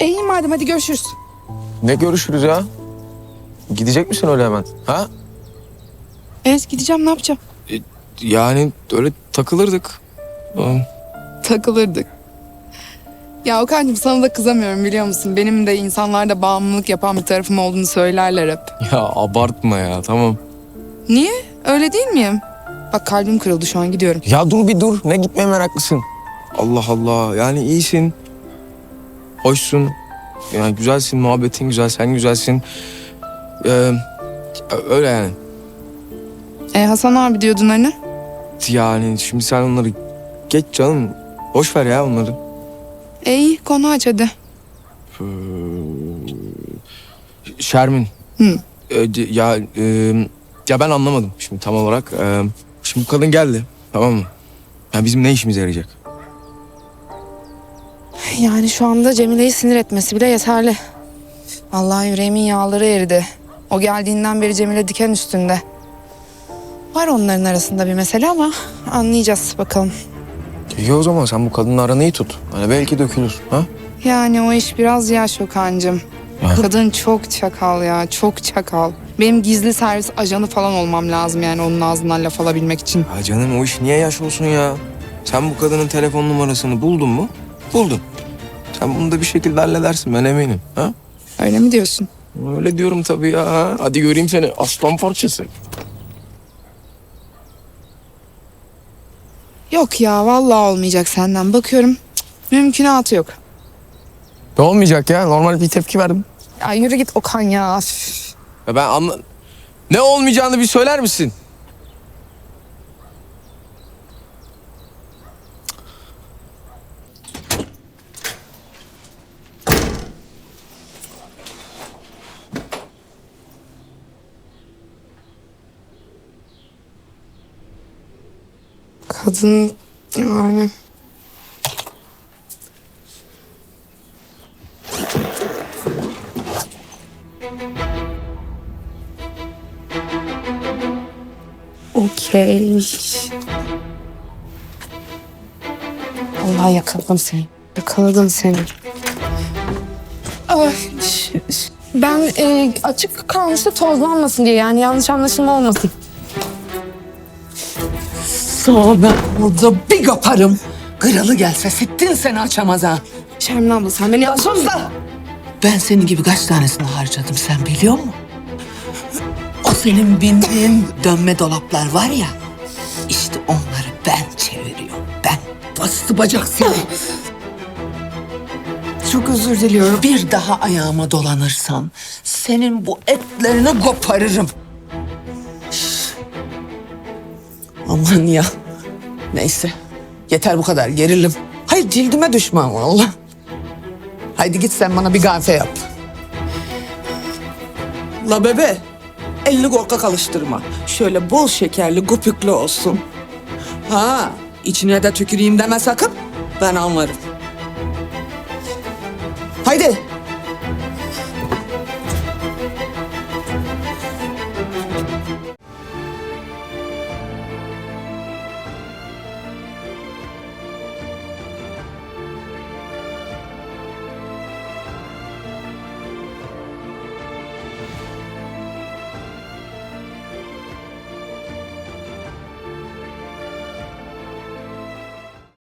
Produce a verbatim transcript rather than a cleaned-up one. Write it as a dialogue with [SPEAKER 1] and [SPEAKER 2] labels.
[SPEAKER 1] E iyi madem, hadi görüşürüz.
[SPEAKER 2] Ne görüşürüz ya? Gidecek misin öyle hemen? Ha?
[SPEAKER 1] Evet gideceğim, ne yapacağım?
[SPEAKER 2] E, yani öyle takılırdık. Tamam.
[SPEAKER 1] Takılırdık. Ya Okan'cığım sana da kızamıyorum biliyor musun? Benim de insanlarda bağımlılık yapan bir tarafım olduğunu söylerler hep.
[SPEAKER 2] Ya abartma ya, tamam.
[SPEAKER 1] Niye? Öyle değil miyim? Bak kalbim kırıldı, şu an gidiyorum.
[SPEAKER 2] Ya dur bir dur. Ne gitmeye meraklısın? Allah Allah. Yani iyisin. Hoşsun. Yani güzelsin. Muhabbetin güzel. Sen güzelsin. Ee, öyle yani.
[SPEAKER 1] E Hasan abi diyordun hani?
[SPEAKER 2] Yani şimdi sen onları geç canım. Boş ver ya onları.
[SPEAKER 1] E iyi, konu aç hadi.
[SPEAKER 2] Ee, Şermin.
[SPEAKER 1] Hı.
[SPEAKER 2] Ee, ya e, ya ben anlamadım şimdi tam olarak. Ee, şimdi bu kadın geldi, tamam mı? Ya bizim ne işimize yarayacak?
[SPEAKER 1] Yani şu anda Cemile'yi sinir etmesi bile yeterli. Vallahi yüreğimin yağları eridi. O geldiğinden beri Cemile diken üstünde. Var onların arasında bir mesele ama anlayacağız bakalım.
[SPEAKER 2] İyi o zaman sen bu kadınla aranı iyi tut. Hani belki dökülür. Ha?
[SPEAKER 1] Yani o iş biraz yaş Okan'cığım.
[SPEAKER 2] Ya.
[SPEAKER 1] Kadın çok çakal ya, çok çakal. Benim gizli servis ajanı falan olmam lazım yani onun ağzından laf alabilmek için.
[SPEAKER 2] Ya canım o iş niye yaş olsun ya? Sen bu kadının telefon numarasını buldun mu? Buldun. Sen bunu da bir şekilde halledersin, ben eminim. Ha?
[SPEAKER 1] Öyle mi diyorsun?
[SPEAKER 2] Öyle diyorum tabii ya. Hadi göreyim seni aslan parçası.
[SPEAKER 1] Yok ya, vallahi olmayacak senden. Bakıyorum cık, mümkünatı yok.
[SPEAKER 2] Ne olmayacak ya? Normal bir tepki verdim.
[SPEAKER 1] Ya yürü git Okan ya. Üf.
[SPEAKER 2] Ya ben anla... Ne olmayacağını bir söyler misin?
[SPEAKER 1] Kadın yani... Okey. Allah yakaladım seni. Yakaladım seni. Ay, ş- ş- ben e, açık kalmıştı tozlanmasın diye, yani yanlış anlaşılma olmasın.
[SPEAKER 3] Sonra ben burada bir kaparım. Kralı gelse sittin seni açamaz ha.
[SPEAKER 1] Şermin abla sen beni
[SPEAKER 3] Sus da! Ben senin gibi kaç tanesini harcadım sen biliyor musun? O senin bindiğin dönme dolaplar var ya. İşte onları ben çeviriyorum. Ben bastı bacak seni.
[SPEAKER 1] çok özür diliyorum.
[SPEAKER 3] Bir daha ayağıma dolanırsan senin bu etlerini koparırım. Aman ya. Neyse. Yeter bu kadar gerilim. Hayır cildime düşman vallahi. Haydi git sen bana bir kahve yap. La bebe. Elini korkak alıştırma. Şöyle bol şekerli gupüklü olsun. Ha, içine de tüküreyim deme sakın. Ben anlarım. Haydi.